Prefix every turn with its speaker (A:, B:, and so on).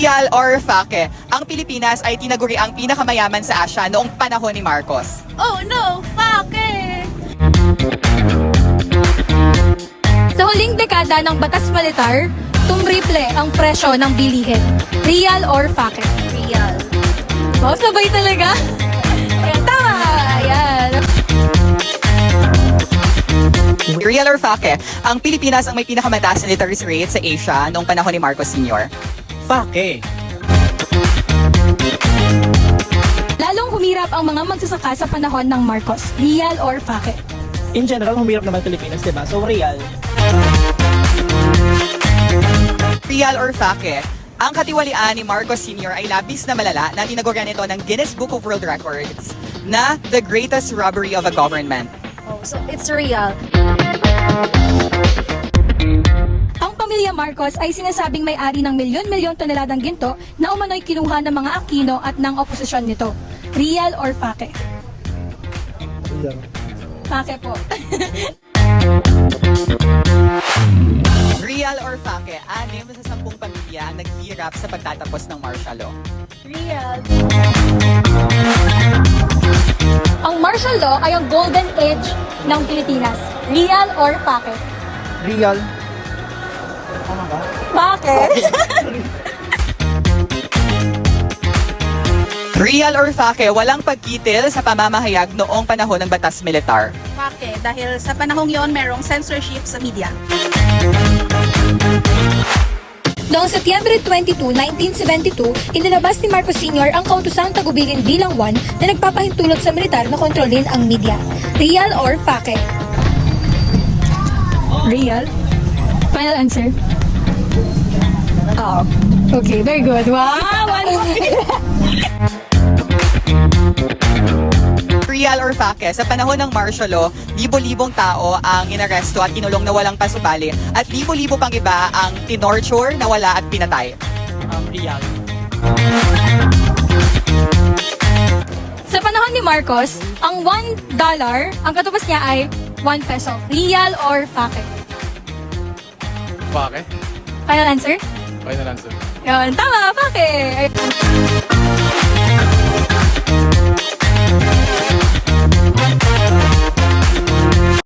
A: Real or fake? Ang Pilipinas ay tinaguri ang pinakamayaman sa Asia noong panahon ni Marcos.
B: Oh no, fake!
C: Sa huling dekada ng batas militar, tumriple ang presyo ng bilihin. Real or fake?
B: Real.
C: Wow, sabay talaga. Ayan, tama! Ayan.
A: Real or fake? Ang Pilipinas ang may pinakamataas na literacy rate sa Asia noong panahon ni Marcos Sr.
D: Fake.
C: Lalong humirap ang mga magsasaka sa panahon ng Marcos. Real or fake?
D: In general, humirap naman Pilipinas, diba? So, real.
A: Real or fake? Ang katiwalian ni Marcos Sr. ay labis na malala na tinagurian ito ng Guinness Book of World Records na the greatest robbery of a government.
B: Oh, so it's real.
C: Ang pamilya Marcos ay sinasabing may-ari ng milyon-milyon toneladang ginto na umano'y kinuha ng mga Aquino at ng oposisyon nito. Real or fake?
D: Real.
C: Fake po.
A: Real or fake? 6 sa 10 pamilya ang naghihirap sa pagtatapos ng martial law.
B: Real.
C: Ang martial law ay ang golden age ng Pilipinas. Real or fake?
D: Real. Tama ba?
C: Bakit?
A: Real or fake? Walang pagkitil sa pamamahayag noong panahon ng batas militar.
B: Fake. Dahil sa panahong yon merong censorship sa media.
C: Noong Setyembre 22, 1972, inilabas ni Marcos Sr. ang kautosang tagubilin bilang 1 na nagpapahintulot sa militar na kontrolin ang media. Real or fake? Real. Final answer? Oh. Okay, very good. Wow!
A: Real or fake? Sa panahon ng martial law, libo-libong tao ang inaresto at kinulong na walang pasubali at libo-libo pang iba ang tinorture, nawala at pinatay.
D: Real.
C: Sa panahon ni Marcos, ang $1, ang katupas niya ay 1 peso. Real or fake?
E: Fake?
C: Final answer?
E: Final answer.
C: Yun, tama, fake!